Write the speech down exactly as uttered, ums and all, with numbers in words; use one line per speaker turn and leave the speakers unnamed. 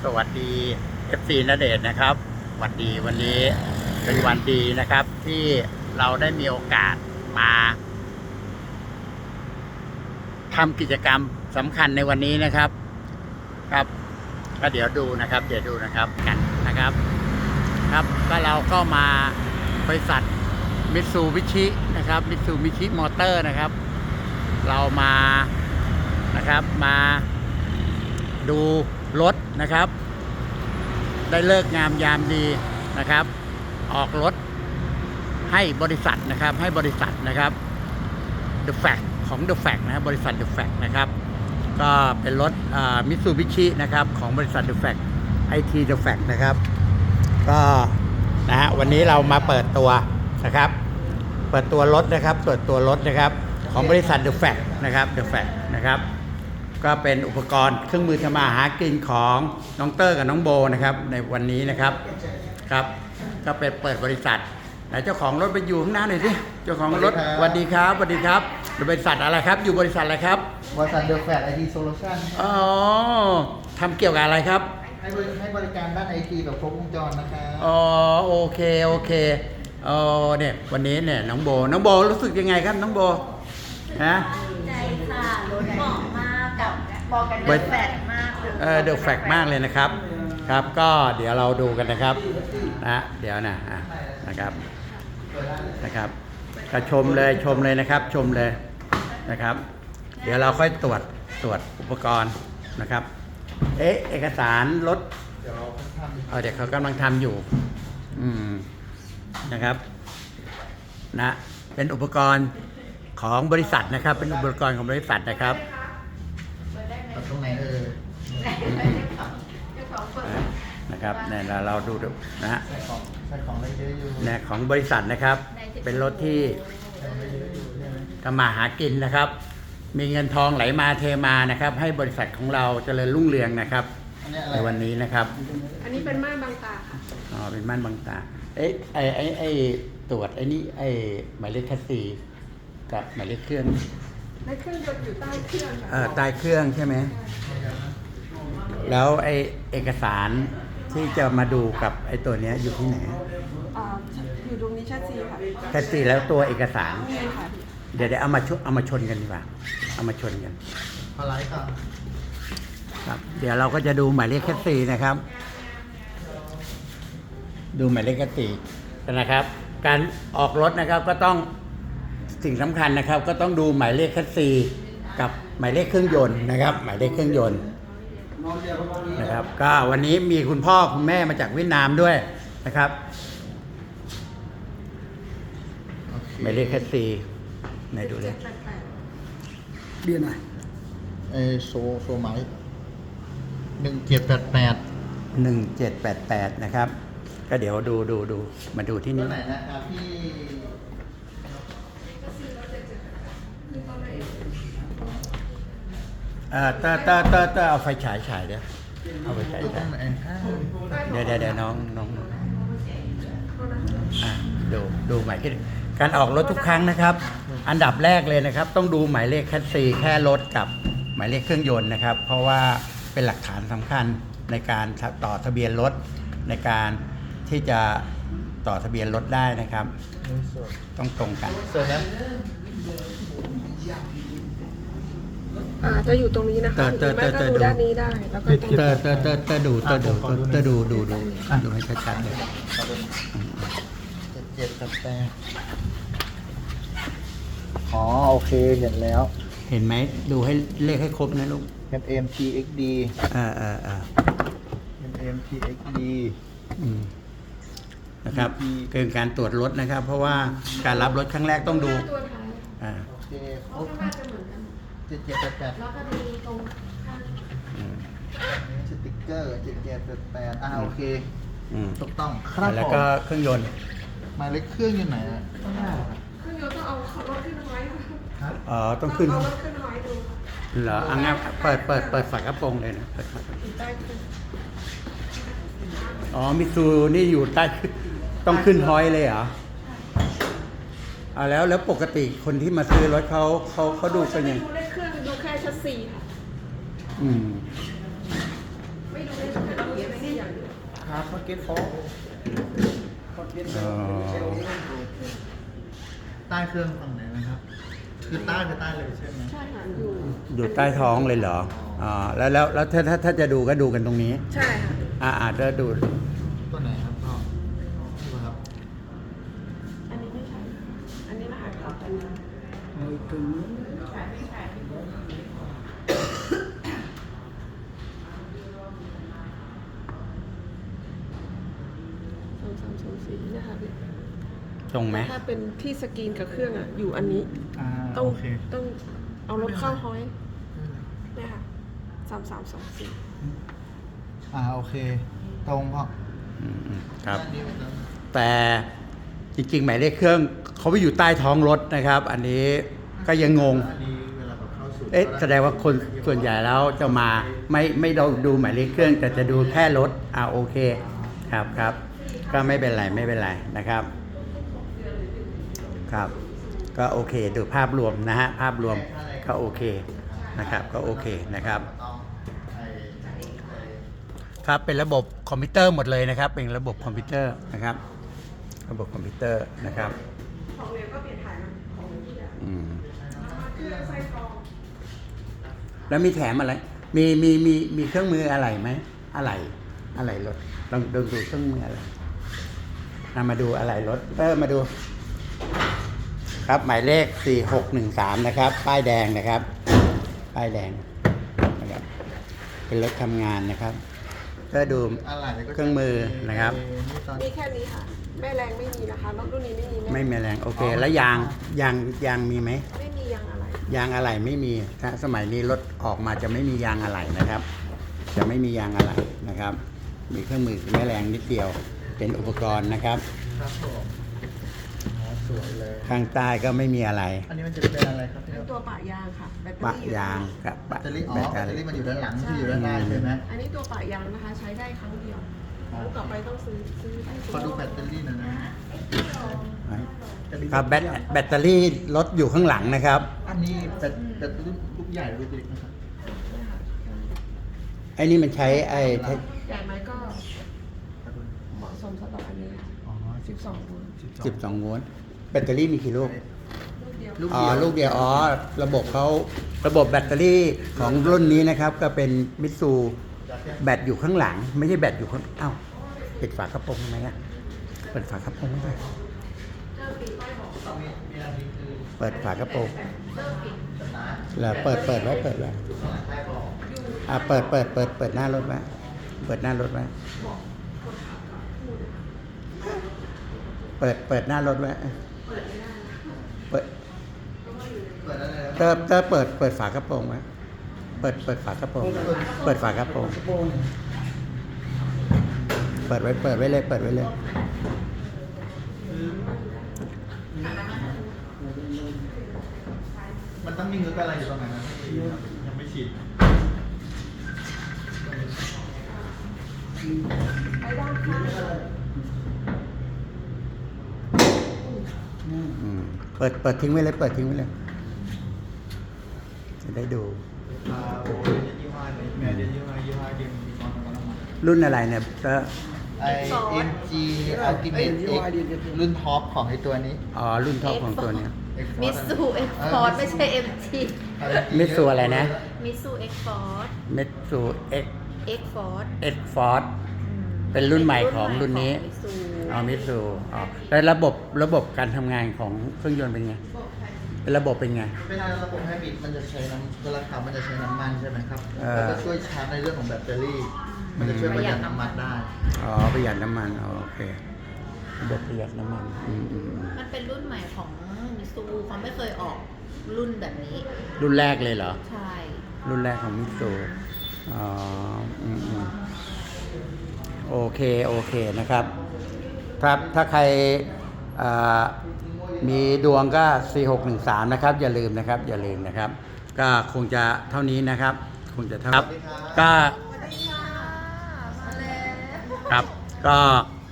สวัสดี เอฟ ซี ณเดชน์นะครับวันดีวันนี้เป็นวันดีนะครับที่เราได้มีโอกาสมาทำกิจกรรมสำคัญในวันนี้นะครับครับก็เดี๋ยวดูนะครับเดี๋ยวดูนะครับกันนะครับครับก็เราก็มาบริษัทมิตซูบิชินะครับมิตซูบิชิมอเตอร์นะครับเรามานะครับมาดูรถนะครับได้เลิกงามยามดีนะครับออกรถให้บริษัทนะครับให้บริษัทนะครับ The Fact ของ The Fact นะครับบริษัท The Fact นะครับก็เป็นรถมิตซูบิชินะครับของบริษัท The Fact ไอ ที The Fact นะครับก็นะฮะวันนี้เรามาเปิดตัวนะครับเปิดตัวรถนะครับเปิดตัวรถนะครับของบริษัท The Fact นะครับ The Fact นะครับก็เป็นอุปกรณ์เครื่องมือทำมาหากินของน้องเตอร์กับน้องโบนะครับในวันนี้นะครับครับก็เป็นเปิดบริษัทไหนเจ้าของรถไปอยู่ข้างหน้าหน่อยสิเจ้าของรถสวัสดีครับสวัสดีครับบริษัทอะไรครับอยู่บริษัทอะไรครับ
บริษัท The Fact ไอ ที Solution
อ๋อทำเกี่ยวกับอะไรครับ
ให้บริให้บริการด้าน ไอ ที แบบครบวงจรนะครับ
อ๋อโอเคโอเคอ๋อเนี่ยวันนี้เนี่ยน้องโบน้องโบรู้สึกยังไงครับน้องโบฮะ
ใจค่ะรถเหมาะมากกับบอกกันเดอะแฟกมาก
เออเดอะแฟกมากเลยนะครับครับก็เดี๋ยวเราดูกันนะครับนะเดี๋ยวนะนะครับนะครับก็ชมเลยชมเลยนะครับชมเลยนะครับเดี๋ยวเราค่อยตรวจตรวจอุปกรณ์นะครับเอ๊ะเอกสารรถเดี๋ยวเขาเดี๋ยวเขากำลังทำอยู่อืมนะครับนะเป็นอุปกรณ์ของบริษัทนะครับเป็นอุปกรณ์ของบริษัทนะครับ
ตรงไหนเออ
นะครับเนี่ยเราดูนะฮะ
ใส่ของใส่ของได้เยอะอยู่
เนี่ยของบริษัทนะครับเป็นรถที่ทำมาหากินนะครับมีเงินทองไหลมาเทมานะครับให้บริษัทของเราเจริญรุ่งเรืองนะครับในวันนี้นะครับ
อันนี้เป็นม่านบังตาค่ะ
อ๋อเป็นม่านบังตาเอ๊ะไอไอไอตรวจไอ้นี่ไอหมายเลขแท็กซี่กับหมายเลขเครื่อง
ในเครื่องยนต์อยู่ใต้เครื่อง
เออใต้เครื่องใช่ไหมแล้วไอเอกสารที่จะมาดูกับไอตัวนี้อยู่ที่ไหน
อยู่ตรงนี้ชัดซีค่ะ
แท็กซี่แล้วตัวเอกสาร
นี่ค่ะ
เดี๋ยวเดี๋ยวเอามาชเอามาชนกันดีกว่าเอามาชนกัน
พอไลฟ์ก่อน
ครับเดี๋ยวเราก็จะดูหมายเลขแท็กซี่นะครับดูหมายเลขแท็กซี่นะครับ การออกรถนะครับก็ต้องสิ่งสำคัญนะครับก็ต้องดูหมายเลขแท็กซี่กับหมายเลขเครื่องยนต์นะครับหมายเลขเครื่องยนต์นะครับก็วันนี้มีคุณพ่อคุณแม่มาจากเวียดนามด้วยนะครับหมายเลขแท็กซี่ไหนดูเลยเรียนหน่อย
เอโซโซไมค์หนึ่งเจ็ดแปดแปด
หนึ่งเจ็ดแปดแปดนะครับก็เดี๋ยวดูดูดูมาดูที่นี่
ตัวไหนนะครับพี่
เอ่อเตอเตอเตอเตอเอาไฟฉายฉายเดี๋ยวเอาไฟฉายฉายเดี๋ยวเดี๋ยวเดี๋ยวน้องน้องอ่ะดูดูหมายเลขการออกรถทุกครั้งนะครับอันดับแรกเลยนะครับต้องดูหมายเลขแคสซีแค่รถกับหมายเลขเครื่องยนต์นะครับเพราะว่าเป็นหลักฐานสำคัญในการต่อทะเบียนรถในการที่จะต่อทะเบียนรถได้นะครับต้องตรงกัน
ส่วนนั้น
อ่าจะอยู่ตรงนี้นะคะหรือไม่ก็ดูด้านนี้ได้แล้วก็ตรง
เตอเตอเตอเตอดูเตอดูเตอดูดูดูดูให้ชัดๆเลย
เจ็ดแปดแปดอ๋อโอเคเห็นแล้ว
เห็นไหมดูให้เลขให้ครบนะลูก
เห็น เอ็ม ที เอ็กซ์ ดี
อ่าอ่าอ่า
เห็น เอ็ม ที เอ็กซ์ ดี
อืมนะครับเกินการตรวจรถนะครับเพราะว่าการรับรถครั้งแรกต้องดูอ่า
โอเคครบเจ็ดเจ็ดแปดแปดแล้วก็มีตรงข้างสติ๊กเกอร์เจ็ดเจ็ดแปดแปดอ่าโอเคถูกต้อง
ครับแล้วก็เครื่องยนต์
หมายเลขเครื่องอยู่ไหนอ่ะ
เครื่องยนต์ต้องเอารถขึ้นไว้ค่ะ
อ๋อต้องขึ้น
เอารถขึ้นไว้ดู
เหรออังงั้นเปิดเปิดเปิดฝากระโปรงเลยนะเปิดฝากระโปรงอ๋อมิซูนี่อยู่ใต้ต้องขึ้นฮอยเลยเหรออ่าแล้วแล้วปกติคนที่มาซื้อรถเขาเขาเขาดูกันยัง
ดูเลขเครื่องดูแค่ชัสซีค่ะ
อืม
ไม่ดูเลขเครื่อง
เก็ตฟอร์เก็ต
อ๋อ
ใต้เครื่องฝั่งไหนนะครับ คือใต้คือใต้เลยใช่ไหม
ใช่ค่ะอยู่
อยู่ใต้ท้องเลยเหรออ๋อแล้วแล้วแล้วถ้าถ้าถ้าจะดูก็ดูกันตรงนี้
ใช่ค่ะ
อ่าอาจจะดู
ตัวไหนครับพ่อนี่ครับ
อันนี้ไม่ใช่อันนี้รหัสเขาแต่นี้สองสามสองสี่นะคะพี่
ตรงไหม
ถ้าเป็นที่สกรีนกับเครื่องอ่ะอยู่อันนี้
อ่า
ต้อง
โอเค
ต้องเอารถเข้าห้อยเนี่ยค่ะสามสามสองสี่
อ่าโอเค ตรงพ่อ
อืมอืมครับ
ด้านนี้เหมือนกัน
แต่จริงๆหมายเลขเครื่องเขาไปอยู่ใต้ท้องรถนะครับ อันนี้ก็ยังงง
อันนี้เวลาแบบเข้าสู่
เอ๊ะแสดงว่าคนส่วนใหญ่แล้วจะมาไม่ไม่เราดูหมายเลขเครื่อง แต่จะดูแค่รถอ่าโอเคครับครับ ก็ไม่เป็นไรไม่เป็นไรนะครับ ครับ ก็โอเคดูภาพรวมนะฮะภาพรวมก็โอเคนะครับ ก็โอเคนะครับ
ต้องไอ้ไอ้ไอ้
ครับเป็นระบบคอมพิวเตอร์หมดเลยนะครับ เป็นระบบคอมพิวเตอร์นะครับ ระบบคอมพิวเตอร์นะครับ
ของเรียนก็เปลี่ยนถ่ายมาของที่อ่ะ
อืม
เครื่องไส้กรอง
แล้วมีแถมอะไร มีมีมีมีเครื่องมืออะไรไหมอะไรอะไรรถลองดูดูเครื่องมืออะไรนำมาดูอะไรรถเออมาดู ครับหมายเลขสี่หกหนึ่งสามนะครับ ป้ายแดงนะครับ ป้ายแดงนะครับ เป็นรถทำงานนะครับ ก็ดู
อะไรก็จะ
เครื่องมือนะครับ
นี่ตอน
มีแค่นี้ค่ะ แม่แรงไม่มีนะคะรถรุ่นนี้ไม่มีแ
ไม่มีแรงโอเค แล้วยางยางยางมีไหม
ไม่มียางอะไร
ยางอะไหล่ไม่มีถ้าสมัยนี้รถออกมาจะไม่มียางอะไหล่นะครับ จะไม่มียางอะไหล่นะครับ มีเครื่องมือแม่แรงนิดเดียว เป็นอุปกรณ์นะครับ
ครับผมอ๋อสวยเลย
ข้างใต้ก็ไม่มีอะไร
อันนี้มันจะเป็นอะไรครับ
เป็นตัวปะยางค่ะแบตเตอ
ปะ
รี่อยู่
ยางกับ
แบ
ปะ
ตเตอรี่อ๋อ
แบ
แบ
ต
ต
เต
เต
อ
อ
รี่
รี่มันอยู่ด้านหลังที่อยู่ด้านหน้าใช่ไหม
อันนี้ตัวปะยางนะคะ ใช้ได้ครั้งเดียวครั้งต่อไปต้องซื้อซื้อให้
ขอดูแบตเตอรี่หน่อยนะ
ครับแบตแบตเตอรี่รถอยู่ข้างหลังนะครับ
อันนี้แบตแบตลูกลูกใหญ่หรือลูกเล็กนะครับ
ไอ้นี่มันใช้ไอ้
ใหญ่ไหมก็เหมาะสมสำหรับอันนี้
อ๋อ
สิบสองโวลต์
สิบสองโวลต์แบตเตอรี่มีกี่ลูก
ลูกเดียว
ลูก
อ๋อ
เดียว
ลูกเดียวอ๋อระบบเขาระบบแบตเตอรี่ของรุ่นนี้นะครับ ก็เป็นมิตซูแบตอยู่ข้างหลัง ไม่ใช่แบตอยู่ข้างอ้าวปิดฝากระโปรงทำไมอ่ะเปิดฝากระโปรงทำไม
มีมีอันนี้คือ
เปิดฝากระโปรง
สตาร์ท
แล้วเปิดเปิดไว้เปิดไว้
ใต้บอก
อ่ะเปิดเปิดเปิดเปิดหน้ารถไว้เปิดหน้ารถไว้เปิดเปิดหน้ารถไว้เปิด
เปิดอะไร
เตอร์เตอร์เปิดเปิดฝากระโปรงไว้เปิดเปิดฝากระโปรงเปิดฝากระโปรงเปิดไว้เปิดไว้เลยเปิดไว้เลย
มันต้องมีเงือกอะไรอยู่ตรงไหนนะยังไม่ฉีด
ไปด้านข้าง
อืมเปิดเปิดทิ้งไว้เลยเปิดทิ้งไว้เลยจะได้ดู
อ่าโอ้ยยี่ห้อไหนแม่เดี๋ยวยี่ห้อยี่ห้อเดียวมีความสำคัญมาก
รุ่นอะไรเนี่ยเตอร์
ไอ เอ็ม จี Ultimate X รุ่นท็อปของไอตัวนี้
อ๋อรุ่นท็อปของตัวเนี้ย
มิสซูเอ็กฟอร์ดไม่ใช่เอ็มจี
มิตซูอะไรนะ
มิสซูเอ็กฟอร์ด
มิตซูเอ็ก
เอ็กฟอร์ด
เอ็กฟอร์ดเป็นรุ่นใหม่ของรุ่นนี้
มิสซู
อ๋อมิตซูอ๋อแล้วระบบระบบการทำงานของเครื่องยนต์เป็นไงเป็นระบบเป็นไง
เวลาระบบไฮบริดมันจะใช้น้ำเวลาขับมันจะใช้น้ำมันใช่ไหมครับ
เออ
แล้วก็ช่วยชาร์จในเรื่องของแบตเตอรี่ มันจะช่วยประหยัดน้ำมันได้
อ๋อประหยัดน้ำมันอ๋อโอเคระบบประหยัดน้ำมันอืมอืมอืม
มันเป็นรุ่นใหม่ของมิสซูเขาไม่เคยออกรุ่นแบบนี้
รุ่นแรกเลยเหรอ
ใช่
รุ่นแรกของมิตซูอ๋ออืมอืมโอเคโอเคนะครับครับถ้าใครอ่ามีดวงก็ สี่หกหนึ่งสาม นะครับ อย่าลืมนะครับ อย่าลืมนะครับ ก็คงจะเท่านี้นะครับ คงจะเท่า
สวัสดีครับ
ก็
สวัสดีค่ะมาแล้ว
ครับก็